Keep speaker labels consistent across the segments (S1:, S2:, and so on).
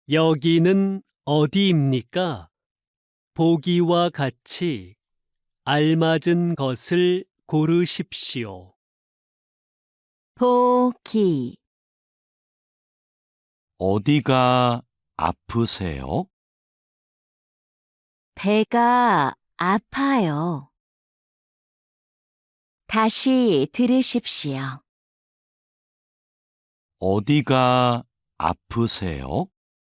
S1: 여기는 어디입니까? 보기와 같이 알맞은 것을 고르십시오.
S2: 보기,
S3: 어디가 아프세요?
S2: 배가 아파요. 다시 들으십시오.
S3: 어디가 아프세요?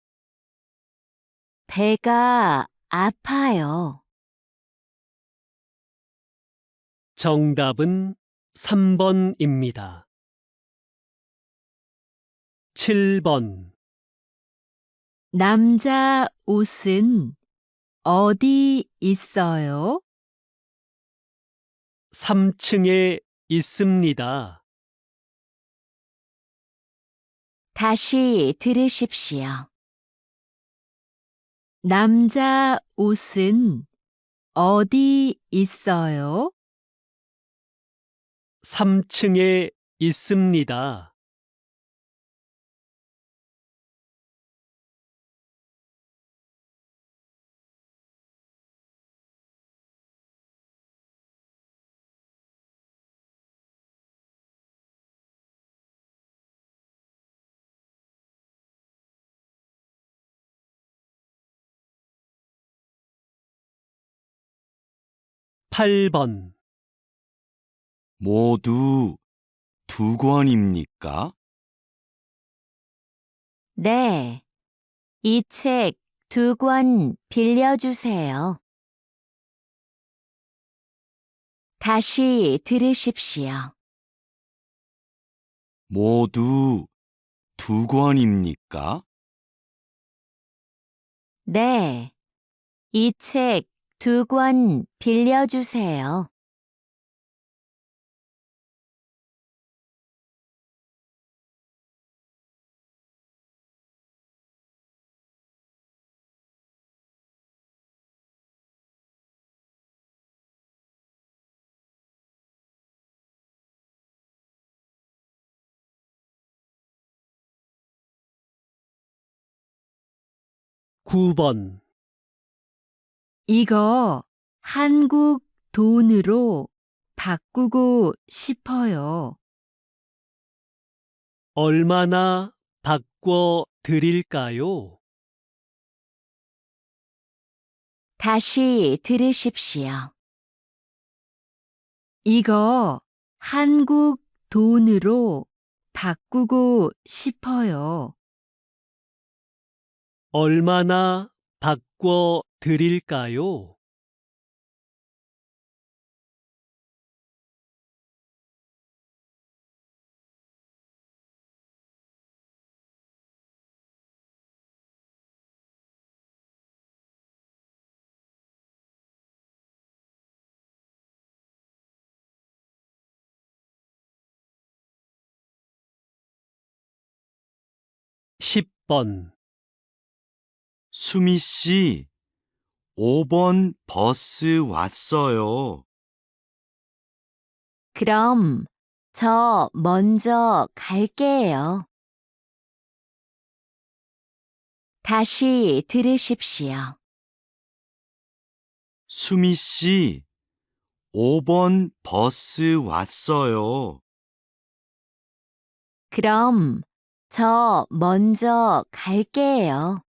S2: 배가 아파요.
S1: 정답은 3번입니다. 7번.
S2: 남자 옷은 어디 있어요?
S1: 3층에 있습니다.
S2: 다시 들으십시오. 남자 옷은 어디 있어요?
S1: 3층에 있습니다. 8번.
S3: 모두 2권입니까?
S2: 네. 이 책 2권 빌려주세요. 다시 들으십시오.
S3: 모두 2권입니까?
S2: 네. 이 책 2권 빌려주세요.
S1: 구 번.
S2: 이거 한국 돈으로 바꾸고 싶어요.
S1: 얼마나 바꿔 드릴까요?
S2: 다시 들으십시오. 이거 한국 돈으로 바꾸고 싶어요.
S1: 얼마나 바꿔 드릴까요? 10번.
S3: 수미 씨, 5번 버스 왔어요.
S2: 그럼 저 먼저 갈게요. 다시 들으십시오.
S3: 수미 씨, 5번 버스 왔어요.
S2: 그럼 저 먼저 갈게요.